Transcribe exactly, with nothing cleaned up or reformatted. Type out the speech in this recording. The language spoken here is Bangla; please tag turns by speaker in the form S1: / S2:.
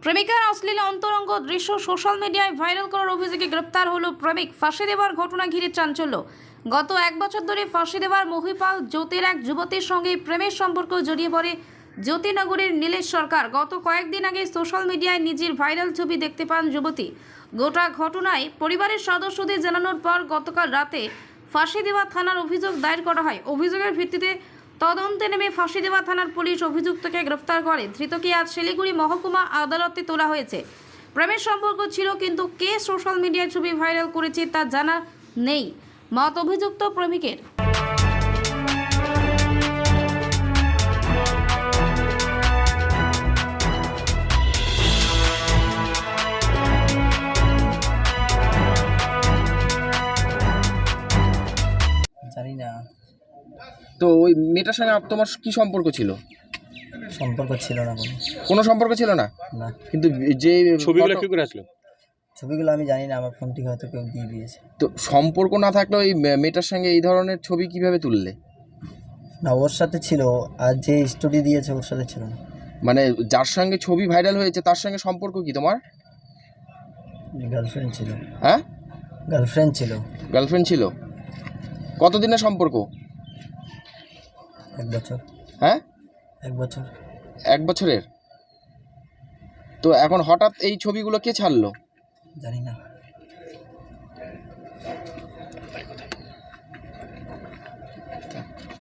S1: প্রেমিকার অশ্লীল অন্তরঙ্গ দৃশ্য সোশ্যাল মিডিয়ায় ভাইরাল করার অভিযোগে গ্রেপ্তার হলো প্রেমিক। ফাঁসি দেওয়ার ঘটনা ঘিরে চাঞ্চল্য। গত এক বছর ধরে ফাঁসি দেওয়ার মহিপাল জ্যোতির এক যুবতীর সঙ্গে প্রেমের সম্পর্ক জড়িয়ে পড়ে জ্যোতিনগরের নীলেশ সরকার। গত কয়েকদিন আগে সোশ্যাল মিডিয়ায় নিজের ভাইরাল ছবি দেখতে পান যুবতী। গোটা ঘটনায় পরিবারের সদস্যদের জানানোর পর গতকাল রাতে ফাঁসি দেওয়া থানার অভিযোগ দায়ের করা হয়। অভিযোগের ভিত্তিতে তদন্তে নেমে ফাঁসি দেওয়া থানার পুলিশ অভিযুক্তকে গ্রেফতার করে। ধৃতকে আজ শিলিগুড়ি মহকুমা আদালতে তোলা হয়েছে। প্রেমের সম্পর্ক ছিল, কিন্তু কে সোশ্যাল মিডিয়ায় ছবি ভাইরাল করেছে তা জানা নেই মত অভিযুক্ত প্রেমিকের।
S2: জানি না,
S3: তো ওই মেয়েটার সঙ্গে আপ- তোমার কি সম্পর্ক ছিল?
S2: সম্পর্ক ছিল না কোনো।
S3: কোনো সম্পর্ক ছিল না,
S2: না,
S3: কিন্তু যে
S4: ছবিগুলো
S3: ফটো-
S4: কি করে আসলো?
S2: ছবিগুলো আমি জানি না, আমার ফোন থেকে হয়তো কেউ দিয়ে দিয়েছে।
S3: তো সম্পর্ক না থাকলে ওই মে- মেয়েটার সঙ্গে এই ধরনের ছবি কিভাবে তুললে?
S2: না, ওর সাথে ছিল, আর যে স্টোরি দিয়েছে ওর সাথে ছিল না।
S3: মানে যার সঙ্গে ছবি ভাইরাল হয়েছে তার সঙ্গে সম্পর্ক কি তোমার?
S2: গার্লফ্রেন্ড ছিল।
S3: হ্যাঁ,
S2: গার্লফ্রেন্ড ছিল।
S3: গার্লফ্রেন্ড ছিল। কতদিনের সম্পর্ক?
S2: এক বছর।
S3: হ্যাঁ,
S2: এক বছর।
S3: এক বছরের। তো এখন হঠাৎ এই ছবিগুলো কে ছাড়লো?
S2: জানি না।